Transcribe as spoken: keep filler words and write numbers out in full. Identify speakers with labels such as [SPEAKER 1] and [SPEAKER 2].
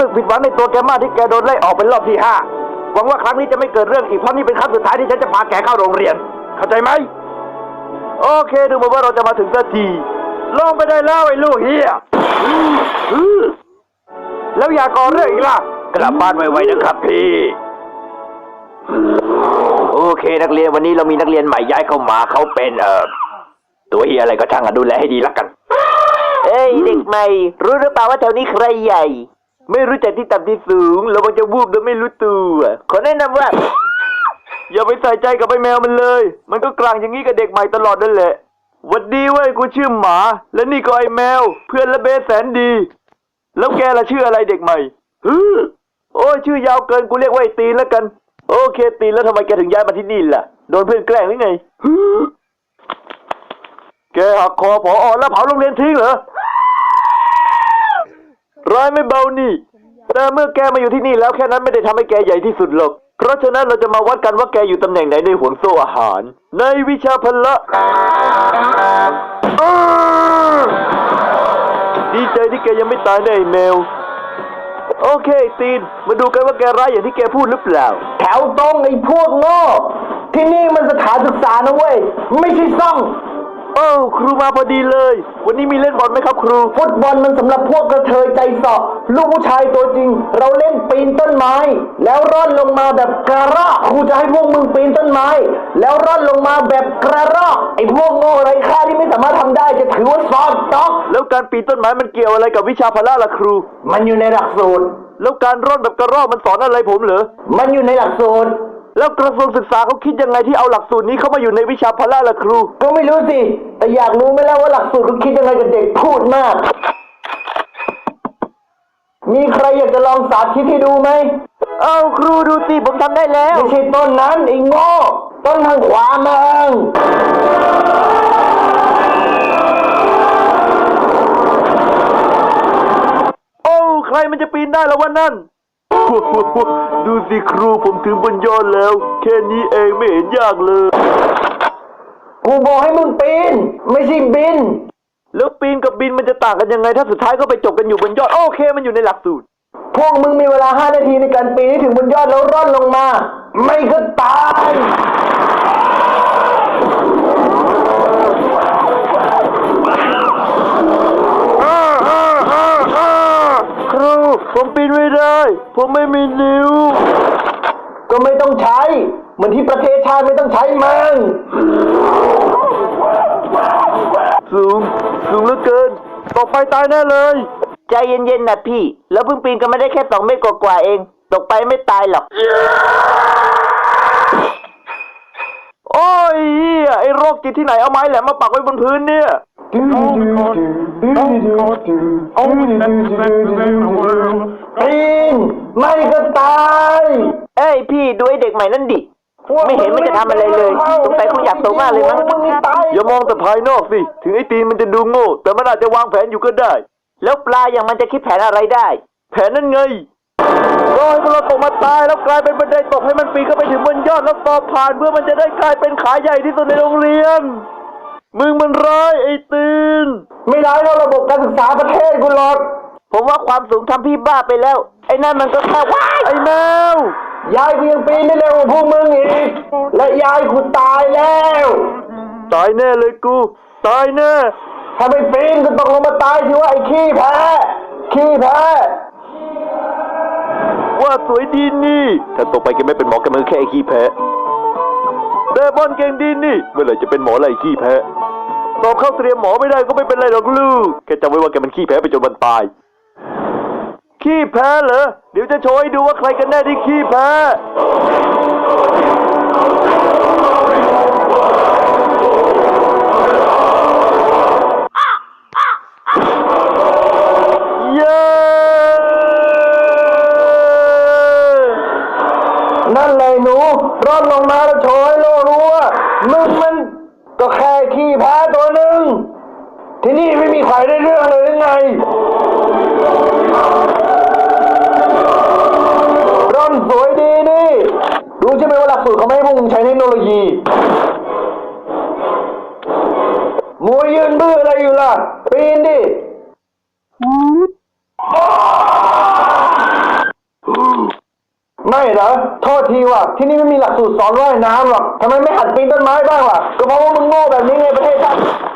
[SPEAKER 1] กผิดหวังในตัวแกมากที่แกโดนไล่ออกเป็นรอบที่ห้าหวังว่าครั้งนี้จะไม่เกิดเรื่องอีกเพราะนี่เป็นครั้งสุดท้ายที่ฉันจะพาแกเข้าโรงเรียนเข้าใจไหมโอเคดูเหมือนว่าเราจะมาถึงสักทีลงไปได้แล้วไอ้ลูกเฮียแล้วอย่าก่อเรื่องอีกล่ะกลับบ้านไวๆนะครับพี่โอเคนักเรียนวันนี้เรามีนักเรียนใหม่ย้ายเข้ามาเขาเป็นเอ่อตัวเฮียอะไรก็ช่างอ่ะดูแลให้ดีละกันเอ้ยเด็กใหม่รู้หรือเปล่าว่าแถวนี้ใครใหญ่ไม่รู้จักที่ต่ำที่สูงเราจะวูบโดยไม่รู้ตัวขอแนะนำว่าอย่าไปใส่ใจกับไอ้แมวมันเลยมันก็กลางอย่างนี้กับเด็กใหม่ตลอดนั่นแหละหวัดดีเว้ยกูชื่อหมาและนี่ก็ไอ้แมวเพื่อนและเบสแสนดีแล้วแกล่ะชื่ออะไรเด็กใหม่ฮึโอ้ยชื่อยาวเกินกูเรียกว่าไอ้ตีนแล้วกันโอเคตีนแล้วทำไมแกถึงย้ายมาที่นี่ล่ะโดนเพื่อนแกล้งหรือไงฮึแกหักคอผอ.แล้วเผาโรงเรียนทิ้งเหรอร้ายไม่เบานี่แต่เมื่อแกมาอยู่ที่นี่แล้วแค่นั้นไม่ได้ทำให้แกใหญ่ที่สุดหรอกเพราะฉะนั้นเราจะมาวัดกันว่าแกอยู่ตำแหน่งไหนในห่วงโซ่อาหารในวิชาพละดีใจที่แกยังไม่ตายนะไอ้แมวโอเคตีนมาดูกันว่าแกร้ายอย่างที่แกพูดหรือเปล่า
[SPEAKER 2] แถวตรงไอ้พวกโง่ที่นี่มันสถานศึกษานะเว้ยไม่ใช่ซ่อง
[SPEAKER 1] โอ้ครูมาพอดีเลยวันนี้มีเล่นบอลไหมครับครู
[SPEAKER 2] ฟุตบอลมันสำหรับพวกกระเทยใจเสาะลูกผู้ชายตัวจริงเราเล่นปีนต้นไม้แล้วร่อนลงมาแบบกระรอกครูจะให้พวกมึงปีนต้นไม้แล้วร่อนลงมาแบบกระรอกไอ้พวกโง่ไร้ค่าที่ไม่สามารถทำได้จะถือว่าสอบตก
[SPEAKER 1] แล้วการปีนต้นไม้มันเกี่ยวอะไรกับวิชาพละล่ะครู
[SPEAKER 2] มันอยู่ในหลักสูตร
[SPEAKER 1] แล้วการร่อนแบบกระรอกมันสอนอะไรผมเหรอ
[SPEAKER 2] มันอยู่ในหลักสูตร
[SPEAKER 1] แล้วกระทรวงศึกษาเขาคิดยังไงที่เอาหลักสูตรนี้เข้ามาอยู่ในวิชาพละล่ะครู
[SPEAKER 2] ก็ไม่รู้สิแต่อยากรู้ไหมล่ะว่าหลักสูตรเขาคิดยังไงกับเด็กพูดมากมีใครอยากจะลองสาธิตให้ดูไหม
[SPEAKER 1] เอาครูดูสิผมทำได้แล้ว
[SPEAKER 2] ไม่ใช่ต้นนั้นไอ้โง่ต้นทางขวามึง
[SPEAKER 1] โอ้ใครมันจะปีนได้แล้ววะนั่นดูสิครูผมถึงบนยอดแล้วแค่นี้เองไม่เห็นยากเลย
[SPEAKER 2] กูบอกให้มึงปีนไม่ใช่บิน
[SPEAKER 1] แล้วปีนกับบินมันจะต่างกันยังไงถ้าสุดท้ายก็ไปจบกันอยู่บนยอดโอเคมันอยู่ในหลักสูตร
[SPEAKER 2] พวกมึงมีเวลาห้านาทีในการปีนให้ถึงบนยอดแล้วร่อนลงมาไม่ก็ตาย
[SPEAKER 1] ครูผมปีนไม่ได้ผมไม่มีนิ้ว
[SPEAKER 2] ก็ไม่ต้องใช้เหมือนที่ประเทศชาติไม่ต้องใช้มึง
[SPEAKER 1] สูงสูงเหลือเกินตกไปตายแน่เลย
[SPEAKER 2] ใจเย็นๆนะพี่แล้วเพิ่งปีนกันไม่ได้แค่สองเมตรกว่าๆเองตกไปไม่ตายหรอก
[SPEAKER 1] โอ้ยไอ้โรคจิตที่ไหนเอาไม้แหลมมาปักไว้บนพื้นเนี่ยปี
[SPEAKER 2] นไม่ก็ตาย
[SPEAKER 1] เอ้ยพี่ดูไอ้เด็กใหม่นั่นดิไม่เห็นมันจะทำอะไรเลยสงสัยคงอยากโตมากเลยมั้งอย่ามองแต่ภายนอกสิถึงไอ้ตีนมันจะดูโง่แต่มันอาจจะวางแผนอยู่ก็ได้
[SPEAKER 2] แล้วปลาอย่างมันจะคิดแผนอะไรได้
[SPEAKER 1] แผนนั่นไงรอให้มันตกมาตายแล้วกลายเป็นบันไดตกให้มันปีนเข้าไปถึงบนยอดแล้วสอบผ่านเพื่อมันจะได้กลายเป็นขาใหญ่ที่สุดในโรงเรียนมึงมันร้ายไอ้ตีน
[SPEAKER 2] ไม่ร้ายเท่าระบบการศึกษาประเทศกูหรอก
[SPEAKER 1] ผมว่าความสูงทำพี่บ้าไปแล้วไอ้นั่นมันก็แค่ว้ายไอ้แม
[SPEAKER 2] วยายกูยังปีนได้เร็วกว่าพวกมึงอีกและยายกูตายแล้ว
[SPEAKER 1] ตายแน่เลยกูตายแน่
[SPEAKER 2] ถ้าไม่ปีนก็ตกลงมาตายสิว่าไอ้ขี้แพ้ขี้แพ้
[SPEAKER 1] ว่าสวยดีนี่ถ้าตกไปแกไม่เป็นหมอแกมือแค่ไอ้ขี้แพ้แต่บอลเก่งดีนี่เมื่อไหร่จะเป็นหมอไรขี้แพ้สอบเข้าเตรียมหมอไม่ได้ก็ไม่เป็นไรหรอกลูกแค่จำไว้ว่าแกมันขี้แพ้ไปจนวันตายขี้แพ้เหรอเดี๋ยวจะโชว์ให้ดูว่าใครกันแน่ที่ขี้แพ้เย้
[SPEAKER 2] นั่นเลยหนูร่อนลงมาแล้วโชว์ให้โลกรู้ว่ามึงมันก็แค่ขี้แพ้ตัวหนึ่งที่นี่ไม่มีใครได้เรื่องเลยยังไงร่อนสวยดีนี่รู้ใช่ไหมว่าหลักสูตรเขาไม่ให้พวกมึงใช้เทคโนโลยีมัวยืนบื้ออะไรอยู่ล่ะปีนดิไม่เหรอโทษทีว่ะที่นี่ไม่มีหลักสูตรสอนว่ายน้ำหรอกทำไมไม่หัดปีนต้นไม้บ้างล่ะก็เพราะว่ามึงโง่แบบนี้ไงประเทศชาติ